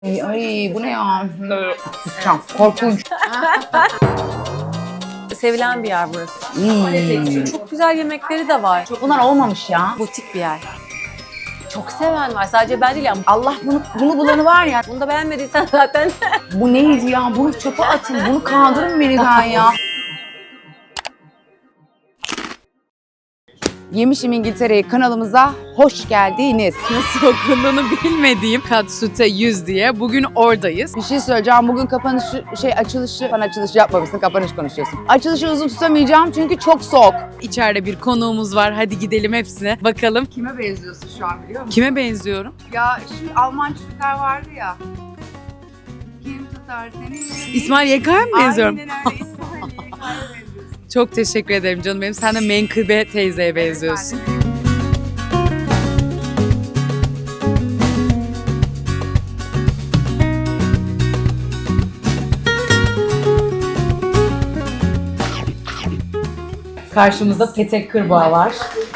Ay bu ne ya? Kusacağım. Korkunç. Sevilen bir yer burası. Çok güzel yemekleri de var. Bunlar olmamış ya. Butik bir yer. Çok seven var. Sadece ben değil ama. Allah bunu bulanı var ya. Bunu da beğenmediysen zaten. Bu neydi ya? Bunu çöpe atın. Bunu kaldırın menüden ya. Yemişim İngiltere'yi kanalımıza hoş geldiniz. Nasıl okunduğunu bilmediğim Katsute 100 diye bugün oradayız. Bir şey söyleyeceğim. Bugün açılışı yapmamışsın. Kapanış konuşuyorsun. Açılışı uzun tutamayacağım çünkü çok soğuk. İçeride bir konuğumuz var. Hadi gidelim hepsine bakalım. Kime benziyorsun şu an biliyor musun? Kime benziyorum? Ya şu Alman çocuklar vardı ya. Kim tutar seni? İsmail Yakar'a mı benziyorum? Aynen öyle. İsmail Yakar'a benziyorsun. Çok teşekkür ederim canım benim. Sen de Menkıbe teyzeye benziyorsun. Karşımızda Petek Kırbağ var.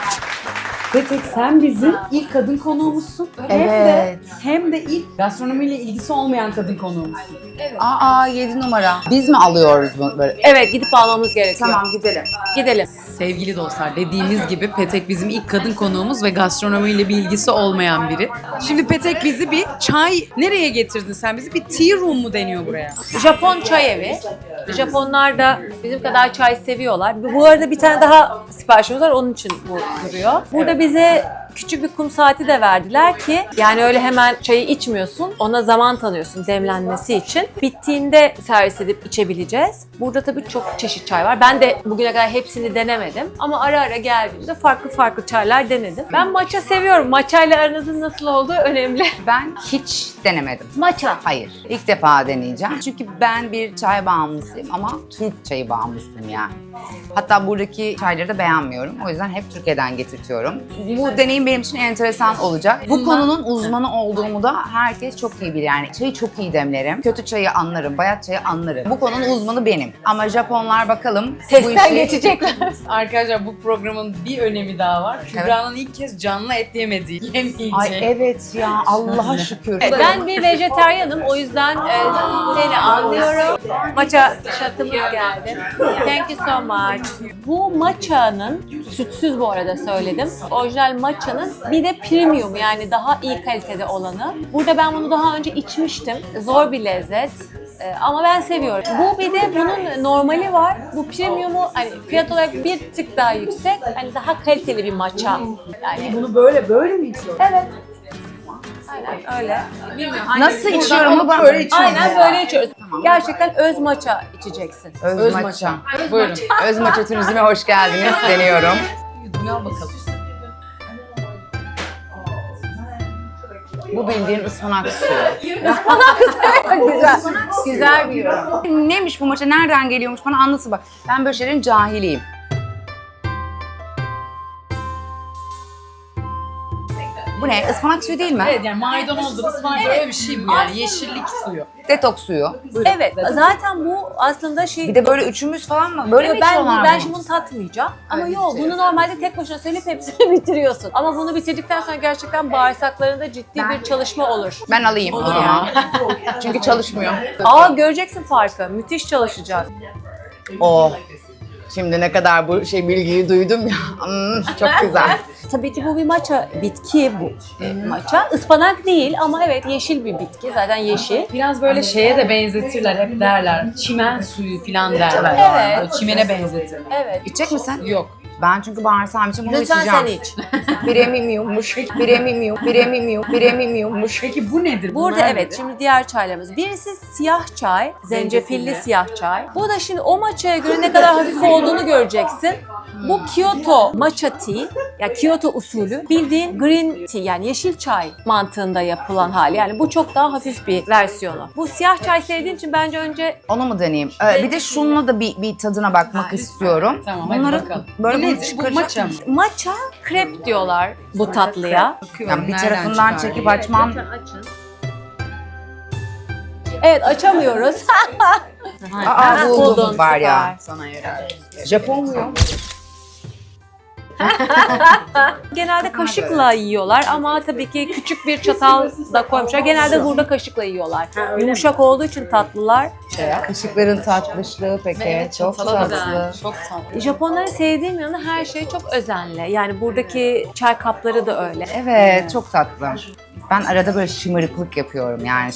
Petek sen bizim ilk kadın konuğumuzsun. Evet. Hem de ilk gastronomiyle ilgisi olmayan kadın konuğumuzsun. Aa 7 numara. Biz mi alıyoruz bunu böyle? Evet, gidip almamız gerekiyor. Tamam gidelim. Gidelim. Sevgili dostlar, dediğimiz gibi Petek bizim ilk kadın konuğumuz ve gastronomiyle bir ilgisi olmayan biri. Şimdi Petek bizi bir çay... Nereye getirdin sen bizi? Bir tea room mu deniyor buraya? Japon çay evi. Japonlar da bizim kadar çay seviyorlar. Bu arada bir tane daha siparişimiz var, onun için bu duruyor. Burada bize küçük bir kum saati de verdiler ki yani öyle hemen çayı içmiyorsun. Ona zaman tanıyorsun demlenmesi için. Bittiğinde servis edip içebileceğiz. Burada tabii çok çeşit çay var. Ben de bugüne kadar hepsini denemedim. Ama ara ara geldiğimde farklı farklı çaylar denedim. Ben matcha seviyorum. Matcha ile aranızın nasıl olduğu önemli. Ben hiç denemedim. Matcha. Hayır. İlk defa deneyeceğim. Çünkü ben bir çay bağımlısıyım ama Türk çayı bağımlısıyım yani. Hatta buradaki çayları da beğenmiyorum. O yüzden hep Türkiye'den getirtiyorum. Bu deneyim benim için enteresan olacak. Bu konunun uzmanı olduğumu da herkes çok iyi bilir. Yani çayı çok iyi demlerim. Kötü çayı anlarım, bayat çayı anlarım. Bu konunun uzmanı benim. Ama Japonlar bakalım bu Testten işi... geçecekler. Arkadaşlar bu programın bir önemi daha var. Kübra'nın ilk kez canlı et yemediği, yemeyeceği. Ay evet ya Allah'a şükür. Ben bir vejetaryenim, o yüzden seni anlıyorum. Matcha şatımız geldi. Thank you so much. Bu matcha'nın, sütsüz bu arada söyledim, orijinal matcha'nın bir de premium yani daha iyi kalitede olanı. Burada ben bunu daha önce içmiştim. Zor bir lezzet. Ama ben seviyorum. Bu bir de bunun normali var. Bu premium'u hani fiyat olarak bir tık daha yüksek. Hani daha kaliteli bir matcha. Yani Bunu böyle mi içiyorsun? evet. Aynen öyle. Bilmiyorum. Nasıl içiyorum onu ben böyle içiyorum. Aynen böyle içiyoruz. Gerçekten öz matcha içeceksin. Öz maça. Buyurun. Öz maça turizme hoş geldiniz deniyorum. Dünya bakalım. Bu bildiğin ıspanak suyu. Güzel. Güzel bir yorum. Neymiş bu maça? Nereden geliyormuş? Bana anlatın bak. Ben böyle şeylerin cahiliyim. Bu ne? Ispanak suyu değil mi? Evet yani maydanozdur, ıspanak öyle bir şey bu yani. Yeşillik suyu. Detoks suyu. Evet, zaten bu aslında şey... Bir de böyle üçümüz falan mı? Böyle mi ben içiyorlar ben bunu? şimdi bunu tatmayacağım. Ama Öyle yok, bunu normalde tek başına söyleyip hepsini bitiriyorsun. Ama bunu bitirdikten sonra gerçekten bağırsaklarında ciddi bir çalışma olur. Ben alayım. Olur Aa. yani. Çünkü çalışmıyor. Aa, göreceksin farkı. Müthiş çalışacak. Oh. Şimdi ne kadar bu bilgiyi duydum ya. Çok güzel. Tabii ki bu bir matcha bitki bu matcha. Ispanak değil ama evet yeşil bir bitki. Zaten yeşil. Biraz böyle şeye de benzetirler, hep derler. Çimen suyu falan derler. Evet. Böyle çimene benzetirler. Evet. İçecek misin? Yok. Ben çünkü bağırsağım için bunu Lütfen içeceğim. sen iç. Biremimiyormuş. Peki bu nedir? Burada Bunlar evet nedir? şimdi diğer çaylarımız. Birisi siyah çay, zencefilli siyah çay. Bu da şimdi o matcha'ya göre ne kadar hafif olduğunu göreceksin. Bu Kyoto matcha tea, yani Kyoto usulü bildiğin green tea yani yeşil çay mantığında yapılan hali. Yani bu çok daha hafif bir versiyonu. Bu siyah çay sevdiğin için bence önce Onu mu deneyeyim? Bir de şununla da bir tadına bakmak istiyorum. Tamam, hadi Bunları bakalım. böyle Bu bunu nedir? Bu çıkaracak matcha mı? mısın? matcha krep diyorlar bu tatlıya. Yani bir tarafından çekip açmam. Evet, açamıyoruz. Aa buldum Buldun, var ya. süper. Sana yarar. Japon muyum? Genelde kaşıkla yiyorlar ama tabii ki küçük bir çatal da koymuşlar. Genelde burada kaşıkla yiyorlar. Yumuşak olduğu için tatlılar. Kaşıkların tatlışlığı peki. Çok tatlı. Çok tatlı. Japonların sevdiğim yanı her şey çok özenli. Yani buradaki çay kapları da öyle. Evet, çok tatlı. Ben arada böyle şımarıklık yapıyorum yani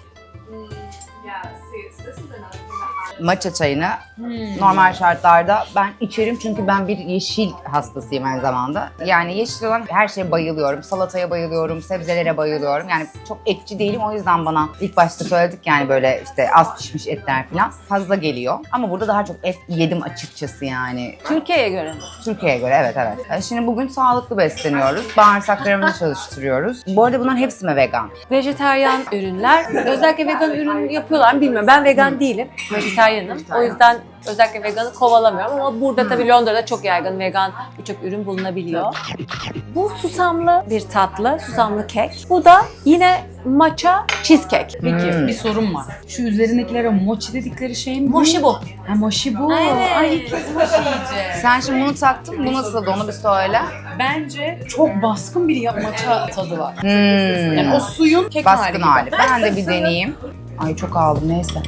matcha çayını normal şartlarda ben içerim çünkü ben bir yeşil hastasıyım aynı zamanda. Yani yeşil olan her şeye bayılıyorum. Salataya bayılıyorum, sebzelere bayılıyorum. Yani çok etçi değilim o yüzden bana ilk başta söyledik yani böyle işte az pişmiş etler falan fazla geliyor. Ama burada daha çok et yedim açıkçası yani. Türkiye'ye göre mi? Türkiye'ye göre evet. Şimdi bugün sağlıklı besleniyoruz. Bağırsaklarımızı çalıştırıyoruz. Bu arada bunların hepsi mi vegan? Vejeteryan ürünler. Özellikle vegan ürün yapıyorlar mı bilmiyorum. Ben vegan değilim. Vejeteryanım. O yüzden özellikle veganı kovalamıyorum ama burada tabii Londra'da çok yaygın vegan birçok ürün bulunabiliyor. Bu susamlı bir tatlı, susamlı kek. Bu da yine matcha cheesecake. Peki bir sorum var. Şu üzerindekilere mochi dedikleri şey mi? Mochi bu. Ha mochi bu. Evet. Ay ilk kez mochi yiyeceğim. Sen şimdi bunu taktın. Bu nasıldı onu bir söyle. Bence çok baskın bir matcha tadı var. Hmm. Yani o suyun kek Baskın hali. hali. Ben de bir deneyeyim. Ay çok aldım neyse.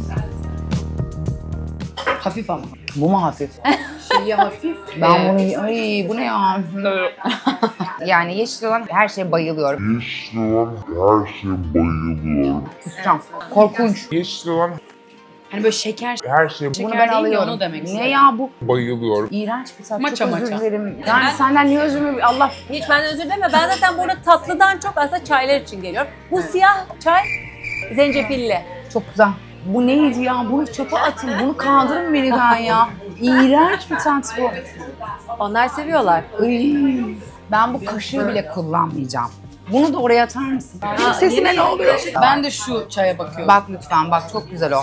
Hafif ama. Bu mu hafif? Şeyi hafif. Ben bunu... Ay bu ne ya? Yani yeşil olan her şeye bayılıyorum. Yeşil olan her şeye bayılıyorum. Kusacağım. Korkunç. Yeşil olan Hani böyle şeker. her şeye Bunu Şeker ben değil mi? alıyorum. Onu demek Ne istedim. ya bu? bayılıyorum. İğrenç bir tat. Matcha, çok özür matcha. dilerim. Yani senden niye özür dilerim? Allah... Hiç ben özür dileme. Ben zaten burada tatlıdan çok aslında çaylar için geliyorum. Bu siyah çay zencefilli. Çok güzel. Bu neydi ya? Bunu çöpe atın. Bunu kaldırın menüden ya. İğrenç bir tat bu. Onlar seviyorlar. Iy. Ben bu kaşığı bile kullanmayacağım. Bunu da oraya atar mısın? Benim sesime ne oluyor? Ben de şu çaya bakıyorum. Bak lütfen bak çok güzel o.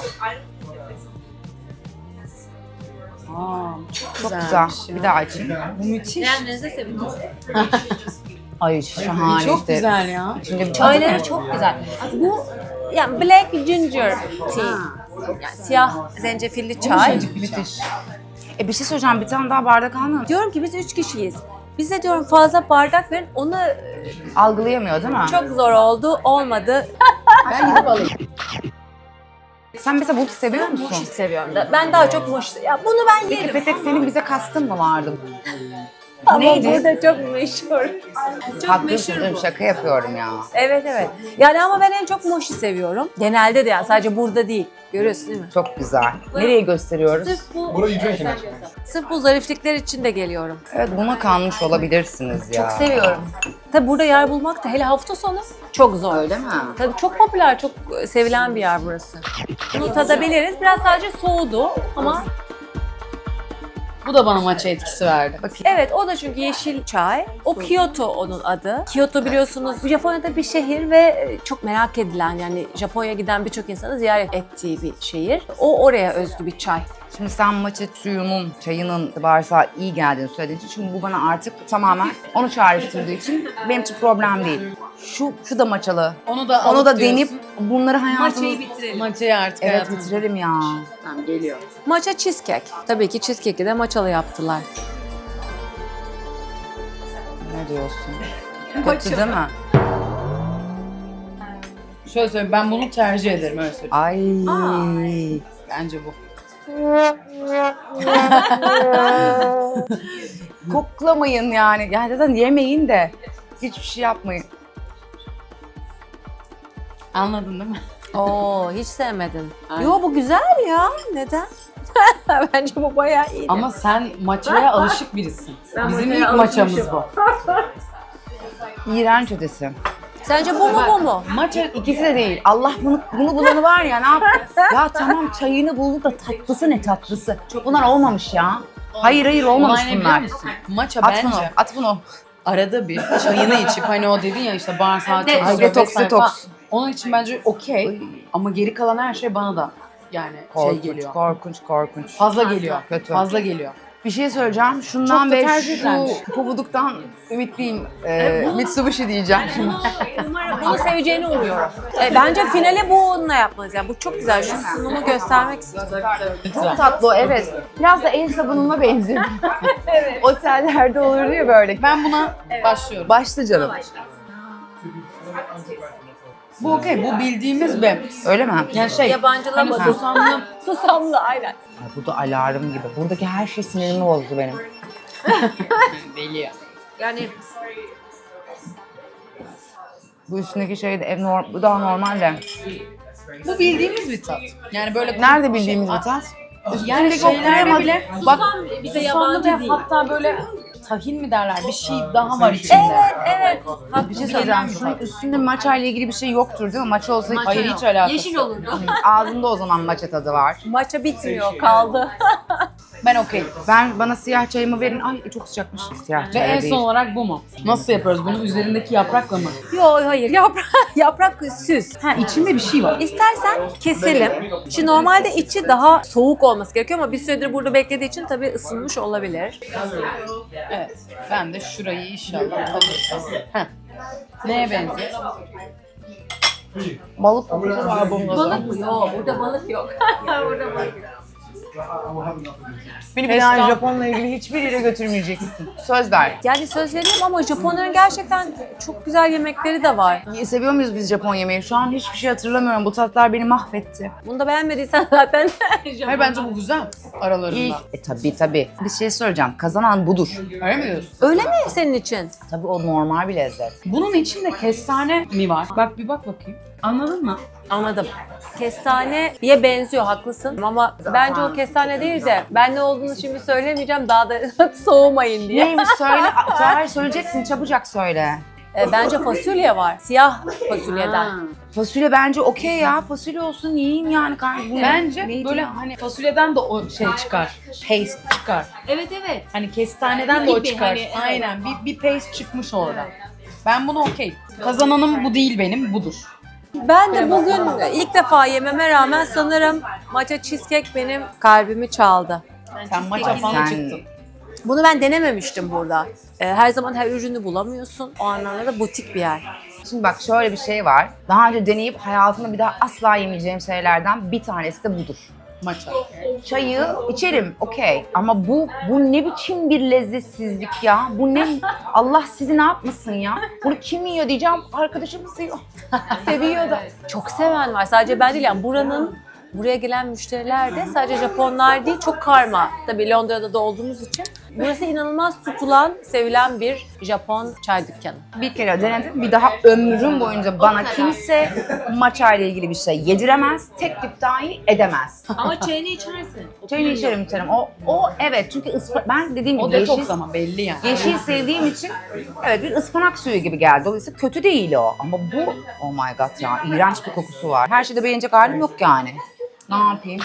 Aa, çok Çok güzelmiş güzel. ya. Bir daha açayım. Bu müthiş. Beğendiğinizde sevinirim. Ay şahane Çok işte. güzel ya. İçinde bir Çayları çok güzel. Bu yani black ginger tea. Yani siyah zencefilli çay. müthiş. Bir şey söyleyeceğim. Bir tane daha bardak almıyor musun? Diyorum ki biz 3 kişiyiz. Bize diyorum fazla bardak verin. Onu Algılayamıyor değil mi? çok zor oldu. Olmadı. Ben gidip alayım. Sen mesela bunu seviyor Mochi musun? seviyorum da. Ben daha çok mochi. Ya bunu ben yerim. Petek senin bize kastın mı vardı? Ama neydi? burada çok meşhur. Çok Haklısın meşhur canım, bu. şaka yapıyorum ya. Evet. Yani ama ben en çok mochi seviyorum. Genelde de yani sadece burada değil. Görüyorsun değil mi? Çok güzel. Nereye gösteriyoruz? Sırf bu zariflikler için de geliyorum. Evet buna kalmış olabilirsiniz ya. Çok seviyorum. Tabi burada yer bulmak da hele hafta sonu çok zor. Öyle mi? Tabii çok popüler, çok sevilen bir yer burası. Bunu tadabiliriz. Biraz sadece soğudu ama Bu da bana matcha etkisi verdi. Bakayım. evet o da çünkü yeşil çay. O Kyoto onun adı. Kyoto biliyorsunuz Japonya'da bir şehir ve çok merak edilen yani Japonya'ya giden birçok insanın ziyaret ettiği bir şehir. O oraya özgü bir çay. Şimdi sen matcha suyunun, çayının bağırsağa iyi geldiğini söylediğin için şimdi bu bana artık tamamen onu çağrıştırdığı için benim için problem değil. Şu da matchalı. Onu da Onu da alıp deneyip diyorsun. bunları hayatımız... Matcha'yı bitirelim. Matcha'yı artık Evet hayatımızda. bitirelim ya. Tamam geliyor. Matcha cheesecake. Tabii ki cheesecake'i de matchalı yaptılar. Ne diyorsun? Kötü değil mi? Şöyle söyleyeyim ben bunu tercih ederim öyle söyleyeyim. Ay. Bence bu. Koklamayın yani. Yani zaten yemeyin de hiçbir şey yapmayın. Anladın değil mi? Oo hiç sevmedin. Aynen. Yo bu güzel ya. Neden? Bence bu bayağı iyi. Ama sen matcha'ya alışık birisin. Ben Bizim matcha'ya ilk maçamız alışmışım. bu. İğrenç ötesi. Sence bu mu bu mu? Matcha İkisi de değil. Allah bunu bulanı var ya ne yap? Ya tamam çayını buldu da tatlısı ne tatlısı. Bunlar olmamış ya. Hayır olmamış olay ne biliyor bunlar. musun? Matcha At bence bunu, at bunu. arada bir çayını içip hani o dedin ya işte bağırsağı çalışıyor Ay, detoks, vesaire detoks. falan. Onun için bence okey ama geri kalan her şey bana da yani şey Korkunç, geliyor. korkunç. Fazla geliyor. Kötü. Fazla geliyor. Bir şey söyleyeceğim. Şundan Çok da ve tercih edilen. şu pabuduktan ümitliyim. Mitsubishi diyeceğim şimdi. Umarım bunu seveceğini umuyorum. Bence finale bu onunla yapmalıyız. Yani bu çok güzel. Şu sunumu göstermek istiyorum. Çok tatlı o, evet. Biraz da el sabununa benziyor. Evet. Otellerde olurdu ya böyle. Ben buna başlıyorum. Başla canım. Bu okey, bu bildiğimiz bir. Öyle mi? Yani şey, Yabancılamadım. hani susamlı. Susamlı aynen. Ay, bu da alarm gibi. Buradaki her şey sinirimi bozdu benim. Deli ya. Yani Bu üstündeki şey de bu daha normal de. Bu bildiğimiz bir tat. Yani böyle Nerede bildiğimiz bir tat? yani Üstündeki o şeylerde krema- bile Bak bize susamlı yabancı ve değil. hatta böyle tahin mi derler, bir şey daha var içinde. Evet. bir şey söyleyeceğim. Şunun üstünde matcha ile ilgili bir şey yoktur değil mi? Matcha olsa Hayır, hiç alakası. Yeşil olurdu. ağzında o zaman matcha tadı var. Maça bitmiyor, kaldı. Ben okey. Bana siyah çayımı verin. Ay çok sıcakmış. Siyah Ve çay en değil. son olarak bu mu? Nasıl yapıyoruz bunu? Üzerindeki yaprakla mı? Yok hayır, yaprak süs. Ha, içinde bir şey var. İstersen keselim. Şimdi normalde içi daha soğuk olması gerekiyor ama bir süredir burada beklediği için tabii ısınmış olabilir. Evet. Ben de şurayı inşallah alırsam. Heh. Neye benziyor? Balık kokusu var bunda. Balık mı? Yok, burada balık yok. Burada balık yok. Beni bir daha Japon'la ilgili hiçbir yere götürmeyeceksin. Söz ver. Yani söz veriyorum ama Japonların gerçekten çok güzel yemekleri de var. Seviyor muyuz biz Japon yemeği? Şu an hiçbir şey hatırlamıyorum. Bu tatlar beni mahvetti. Bunu da beğenmediysen zaten Hayır, bence bu güzel aralarında. İlk, tabii. Bir şey söyleyeceğim. Kazanan budur. Öyle mi diyorsun? Öyle mi senin için? Tabii o normal bir lezzet. Bunun içinde kestane mi var? Bak bir bak bakayım. Anladın mı? Anladım. Kestaneye benziyor, haklısın. Ama bence o kestane değil de ben ne olduğunu şimdi söylemeyeceğim daha da soğumayın diye. Neymiş söyle. Hayır söyleyeceksin. Çabucak söyle. Bence fasulye var. Siyah fasulyeden. Fasulye bence okey ya. Fasulye olsun yiyin yani kardeşim. Bence Neydi böyle ya? hani fasulyeden de o şey çıkar. Paste çıkar. Evet. Hani kestaneden de o Gibi, çıkar. hani, evet. Aynen. Bir paste çıkmış orada. Ben bunu okey. Kazananım bu değil benim, budur. Ben de bugün ilk defa yememe rağmen sanırım matcha cheesecake benim kalbimi çaldı. Sen maça falan Sen- çıktın. Bunu ben denememiştim burada. Her zaman her ürünü bulamıyorsun. O anlamda da butik bir yer. Şimdi bak şöyle bir şey var. Daha önce deneyip hayatımda bir daha asla yemeyeceğim şeylerden bir tanesi de budur. Maça. Çayı içerim okey ama bu ne biçim bir lezzetsizlik ya? Bu ne? Allah sizi ne yapmasın ya? Bunu kim yiyor diyeceğim. Arkadaşım yiyor. Seviyor da. Çok seven var. Sadece ben değil yani buraya gelen müşteriler de sadece Japonlar değil, çok karma. Tabii Londra'da da olduğumuz için. Burası inanılmaz tutulan, sevilen bir Japon çay dükkanı. Bir kere denedim. Bir daha ömrüm boyunca bana kimse matcha ile ilgili bir şey yediremez. Teklif dahi edemez. Ama çayını içersin. Çayını içerim. O evet çünkü ben dediğim gibi O detoks ama belli yani. yeşil sevdiğim için evet bir ıspanak suyu gibi geldi. Dolayısıyla kötü değil o. Ama bu oh my god ya iğrenç bir kokusu var. Her şeyde beğenecek halim yok yani. Ne yapayım?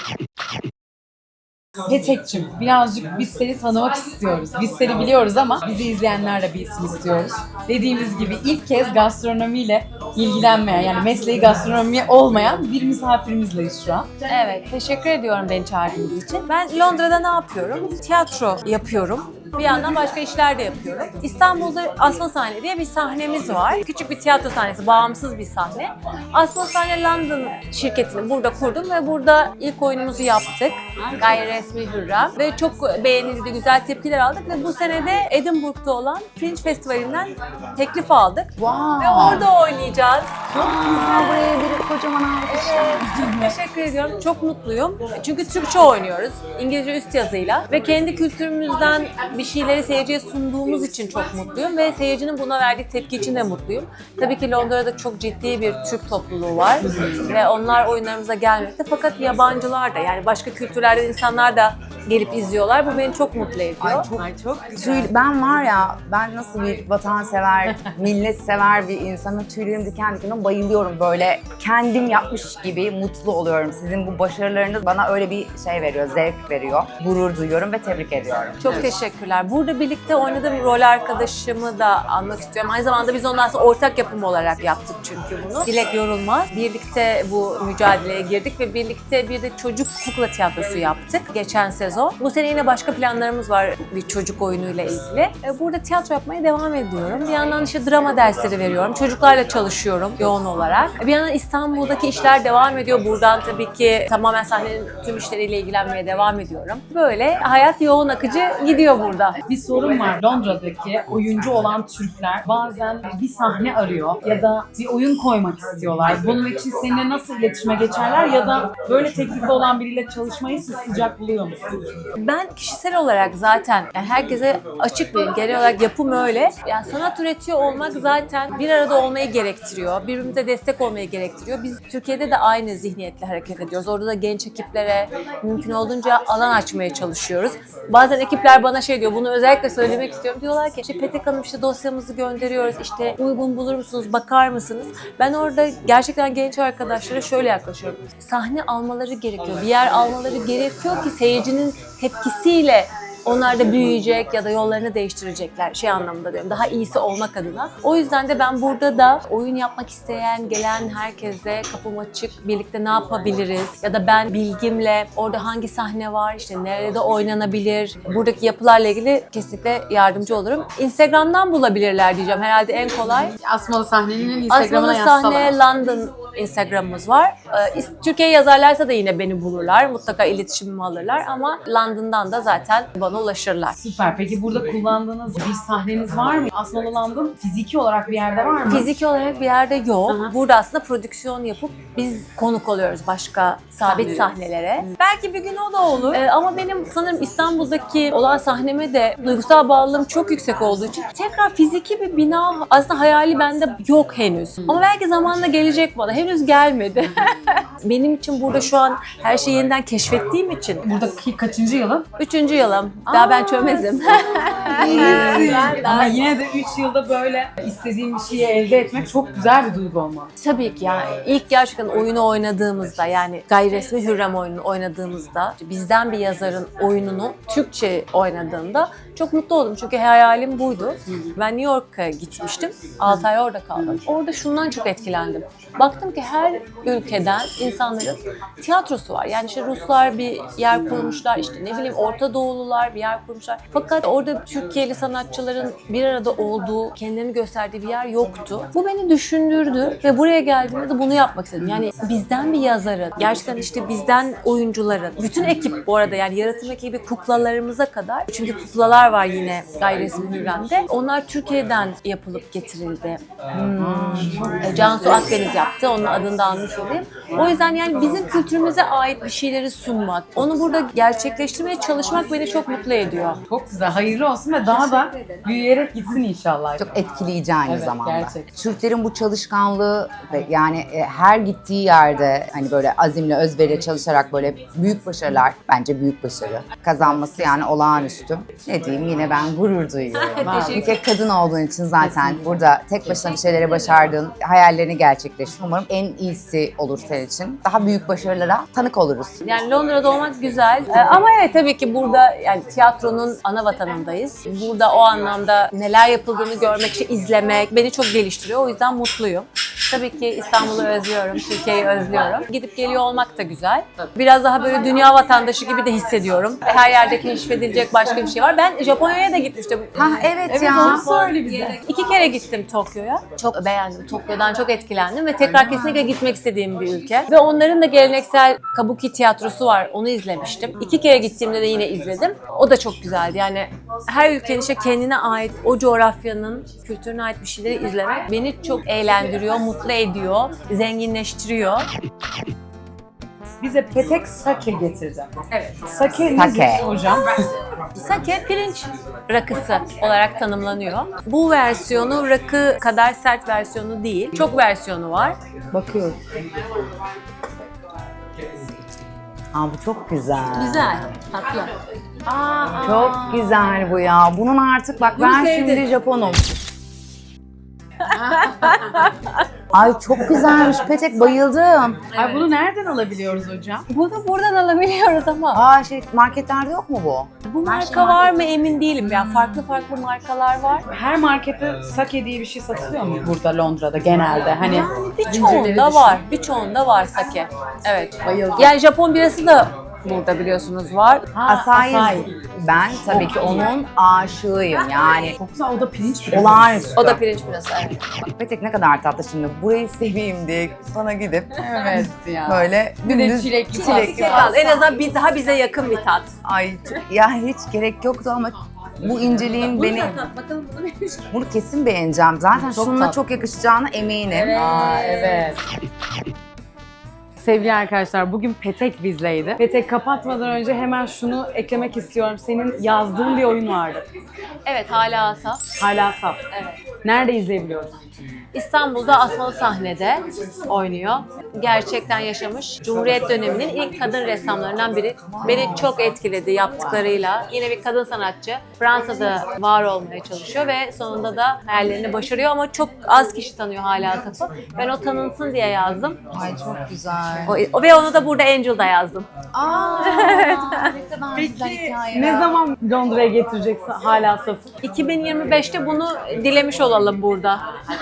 Petek'cim birazcık biz seni tanımak istiyoruz. Biz seni biliyoruz ama bizi izleyenler de bilsin istiyoruz. Dediğimiz gibi ilk kez gastronomiyle ilgilenmeyen yani mesleği gastronomi olmayan bir misafirimizleyiz şu an. Evet, teşekkür ediyorum beni çağırdığınız için. Ben Londra'da ne yapıyorum? Tiyatro yapıyorum. Bir yandan başka işler de yapıyorum. İstanbul'da Asma Sahne diye bir sahnemiz var. Küçük bir tiyatro sahnesi, bağımsız bir sahne. Asma Sahne London şirketini burada kurdum ve burada ilk oyunumuzu yaptık. Gayri resmi Hürrem. Ve çok beğenildi, güzel tepkiler aldık ve bu sene de Edinburgh'da olan Fringe Festivali'nden teklif aldık. Wow. Ve orada oynayacağız. Güzel buraya bir kocaman alkış. Teşekkür ediyorum. Çok mutluyum. Çünkü Türkçe oynuyoruz. İngilizce üst yazıyla. Ve kendi kültürümüzden bir şeyleri seyirciye sunduğumuz için çok mutluyum. Ve seyircinin buna verdiği tepki için de mutluyum. Tabii ki Londra'da çok ciddi bir Türk topluluğu var. Ve onlar oyunlarımıza gelmekte. Fakat yabancılar da yani başka kültürlerden insanlar da gelip izliyorlar. Bu beni çok mutlu ediyor. Ben var ya, ben nasıl bir vatansever, milletsever bir insanım. Tüylerim diken diken bayılıyorum böyle. Kendim yapmış gibi mutlu oluyorum. Sizin bu başarılarınız bana öyle bir şey veriyor, zevk veriyor. Gurur duyuyorum ve tebrik ediyorum. Çok teşekkürler. Burada birlikte oynadığım rol arkadaşımı da anmak istiyorum. Aynı zamanda biz ondan sonra ortak yapım olarak yaptık çünkü bunu. Dilek Yorulmaz. Birlikte bu mücadeleye girdik ve birlikte bir de çocuk kukla tiyatrosu yaptık geçen sezon. sezon. Bu sene yine başka planlarımız var bir çocuk oyunuyla ilgili. Burada tiyatro yapmaya devam ediyorum. Bir yandan işte drama dersleri veriyorum. Çocuklarla çalışıyorum yoğun olarak. Bir yandan İstanbul'daki işler devam ediyor. Buradan tabii ki tamamen sahnenin tüm işleriyle ilgilenmeye devam ediyorum. Böyle hayat yoğun akıcı gidiyor burada. Bir sorun var. Londra'daki oyuncu olan Türkler bazen bir sahne arıyor ya da bir oyun koymak istiyorlar. Bunun için seninle nasıl iletişime geçerler ya da böyle teklifi olan biriyle çalışmayı siz sıcak buluyor musunuz? Ben kişisel olarak zaten yani herkese açık bir genel olarak yapım öyle. Yani sanat üretiyor olmak zaten bir arada olmayı gerektiriyor. Birbirimize destek olmayı gerektiriyor. Biz Türkiye'de de aynı zihniyetle hareket ediyoruz. Orada da genç ekiplere mümkün olduğunca alan açmaya çalışıyoruz. Bazen ekipler bana şey diyor, bunu özellikle söylemek istiyorum. Diyorlar ki işte Petek Hanım işte dosyamızı gönderiyoruz. İşte uygun bulur musunuz, bakar mısınız? Ben orada gerçekten genç arkadaşlara şöyle yaklaşıyorum. Sahne almaları gerekiyor. Bir yer almaları gerekiyor ki seyircinin tepkisiyle onlar da büyüyecek ya da yollarını değiştirecekler şey anlamında diyorum. Daha iyisi olmak adına. O yüzden de ben burada da oyun yapmak isteyen, gelen herkese kapım açık, birlikte ne yapabiliriz? Ya da ben bilgimle orada hangi sahne var, işte nerede oynanabilir? Buradaki yapılarla ilgili kesinlikle yardımcı olurum. Instagram'dan bulabilirler diyeceğim. Herhalde en kolay. Asmalı Sahne'nin Instagram'ına Asmalı yazsalar. Sahne London Instagram'ımız var. Türkiye yazarlarsa da yine beni bulurlar. Mutlaka iletişimimi alırlar ama London'dan da zaten bana ulaşırlar. Süper. Peki burada kullandığınız bir sahneniz var mı? Asmalı London fiziki olarak bir yerde var mı? Fiziki olarak bir yerde yok. Aha. Burada aslında prodüksiyon yapıp biz konuk oluyoruz başka sabit sahnelere. Belki bir gün o da olur. Ama benim sanırım İstanbul'daki olan sahneme de duygusal bağlılığım çok yüksek olduğu için tekrar fiziki bir bina aslında hayali bende yok henüz. Ama belki zamanla gelecek bana. Henüz gelmedi. Benim için burada şu an her şeyi yeniden keşfettiğim için. Buradaki kaçıncı yılın? 3. yılım. Daha ben çömezim. Ama yine de 3 yılda böyle istediğim bir şeyi elde etmek çok güzel bir duygu olmalı. Tabii ki yani ilk gerçekten oyunu oynadığımızda yani gayri resmi Hürrem oyununu oynadığımızda bizden bir yazarın oyununu Türkçe oynadığımda çok mutlu oldum çünkü hayalim buydu. Ben New York'a gitmiştim. 6 ay orada kaldım. Orada şundan çok etkilendim. Baktım ki her ülkeden insanların tiyatrosu var. Yani işte Ruslar bir yer kurmuşlar, işte ne bileyim Orta Doğulular bir yer kurmuşlar. Fakat orada Türkiye'li sanatçıların bir arada olduğu, kendilerini gösterdiği bir yer yoktu. Bu beni düşündürdü ve buraya geldiğimde de bunu yapmak istedim. Yani bizden bir yazarın, gerçekten işte bizden oyuncuların, bütün ekip bu arada yani yaratım ekibi kuklalarımıza kadar. Çünkü kuklalar var yine gayri resmi Hürrem'de. Onlar Türkiye'den yapılıp getirildi. Cansu Akdeniz yaptı. Onun adını da almış olayım. O yüzden yani bizim kültürümüze ait bir şeyleri sunmak, onu burada gerçekleştirmeye çalışmak beni çok mutlu ediyor. Çok güzel. Hayırlı olsun ve daha da büyüyerek gitsin inşallah. Çok etkileyici aynı Evet, zamanda. gerçekten. Türklerin bu çalışkanlığı ve yani her gittiği yerde hani böyle azimle, özveriyle çalışarak böyle büyük başarılar, bence büyük başarı kazanması yani olağanüstü. Ne diyeyim yine ben gurur duyuyorum. Bir tek kadın olduğun için zaten burada tek başına bir şeyleri başardığın, hayallerini gerçekleştir. Umarım en iyisi olur senin için. Daha büyük başarılara tanık oluruz. Yani Londra'da olmak güzel. Ama evet tabii ki burada yani tiyatronun ana vatanındayız. Burada o anlamda neler yapıldığını görmek, işte izlemek beni çok geliştiriyor. O yüzden mutluyum. Tabii ki İstanbul'u özlüyorum, Türkiye'yi özlüyorum. Gidip geliyor olmak da güzel. Biraz daha böyle dünya vatandaşı gibi de hissediyorum. Her yerde keşfedilecek başka bir şey var. Ben Japonya'ya da gitmiştim. Ha evet ya. Onu söyle bize. 2 kere gittim Tokyo'ya. Çok beğendim. Tokyo'dan çok etkilendim ve tekrar kesinlikle gitmek istediğim bir ülke. Ve onların da geleneksel kabuki tiyatrosu var. Onu izlemiştim. 2 kere gittiğimde de yine izledim. O da çok güzeldi. Yani her ülkenin işte kendine ait, o coğrafyanın kültürüne ait bir şeyleri izlemek beni çok eğlendiriyor, mutlu ediyor, zenginleştiriyor. Bize petek sake getirdim. Evet. Sake Sake. nedir hocam? Sake pirinç rakısı olarak tanımlanıyor. Bu versiyonu rakı kadar sert versiyonu değil. Çok versiyonu var. Bakıyorum. Aa bu çok güzel. Güzel, tatlı. Çok güzel bu ya. Bunun artık bak ben sevdim. şimdi Japonum. Ay çok güzelmiş Petek, bayıldım. Ay bunu nereden alabiliyoruz hocam? Bunu buradan alabiliyoruz ama Aa marketlerde yok mu bu? bu marka var mı emin değilim. Yani farklı markalar var. Her markette sake diye bir şey satılıyor mu burada Londra'da genelde? Hani Birçoğunda var. Birçoğunda var sake. Evet. Bayıldım. Yani Japon birası da burada biliyorsunuz var. Asayi. Asayi. Ben tabii ki onun aşığıyım yani. Çok güzel, o da pirinç püresi. Olağanüstü. O da pirinç püresi. Evet. Petek ne kadar tatlı şimdi. Burayı seveyim diye sana gidip Evet ya. böyle Bir de dümdüz çilekli Çilekli pasta. En azından daha bize yakın bir tat. Ay ya hiç gerek yoktu ama bu inceliğin beni... Bakalım bunu neymiş? Bunu kesin beğeneceğim. Zaten Çok şununla tatlı. çok yakışacağına eminim. Aa, evet. Sevgili arkadaşlar, bugün Petek bizleydi. Petek, kapatmadan önce hemen şunu eklemek istiyorum. Senin yazdığın bir oyun vardı. Evet, hala Asaf. Hala saf. Evet. Nerede izleyebiliyoruz? İstanbul'da Asmalı Sahne'de oynuyor. Gerçekten yaşamış. Cumhuriyet döneminin ilk kadın ressamlarından biri. Beni çok etkiledi yaptıklarıyla. Yine bir kadın sanatçı. Fransa'da var olmaya çalışıyor ve sonunda da hayallerini başarıyor ama çok az kişi tanıyor hala Asaf'ı. Ben o tanınsın diye yazdım. Ay çok güzel. Ve onu da burada Angel'da yazdım. Aa, ne kadar güzel hikaye. Ne zaman Londra'ya getireceksin hala safı? 2025'te bunu dilemiş olalım burada.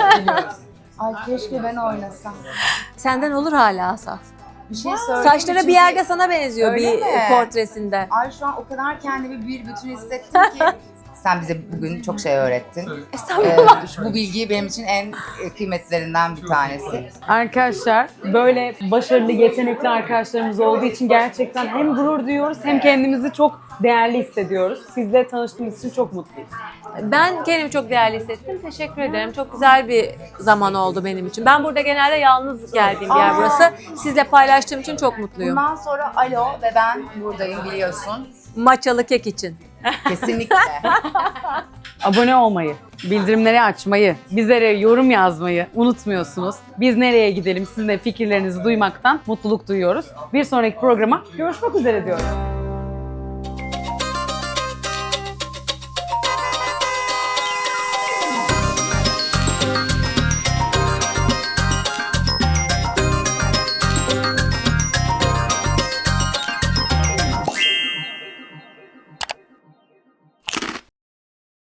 Ay keşke ben oynasam. Senden olur hala Asaf. Bir şey söyleyeyim. Saçları çünkü- bir yerde sana benziyor Öyle bir mi? portresinde. Ay şu an o kadar kendimi bir bütün hissettim ki. Sen bize bugün çok şey öğrettin. Estağfurullah. Bu bilgiyi benim için en kıymetlilerinden bir tanesi. Arkadaşlar, böyle başarılı, yetenekli arkadaşlarımız olduğu için gerçekten hem gurur duyuyoruz hem kendimizi çok değerli hissediyoruz. Sizle tanıştığımız için çok mutluyuz. Ben kendimi çok değerli hissettim. Teşekkür ederim. Çok güzel bir zaman oldu benim için. Ben burada genelde yalnız geldiğim bir yer burası. Sizle paylaştığım için çok mutluyum. Bundan sonra alo ve ben buradayım biliyorsun. Maçalı kek için. Kesinlikle. Abone olmayı, bildirimleri açmayı, bizlere yorum yazmayı unutmuyorsunuz. Biz nereye gidelim, sizin de fikirlerinizi duymaktan mutluluk duyuyoruz. Bir sonraki programa görüşmek üzere diyorum.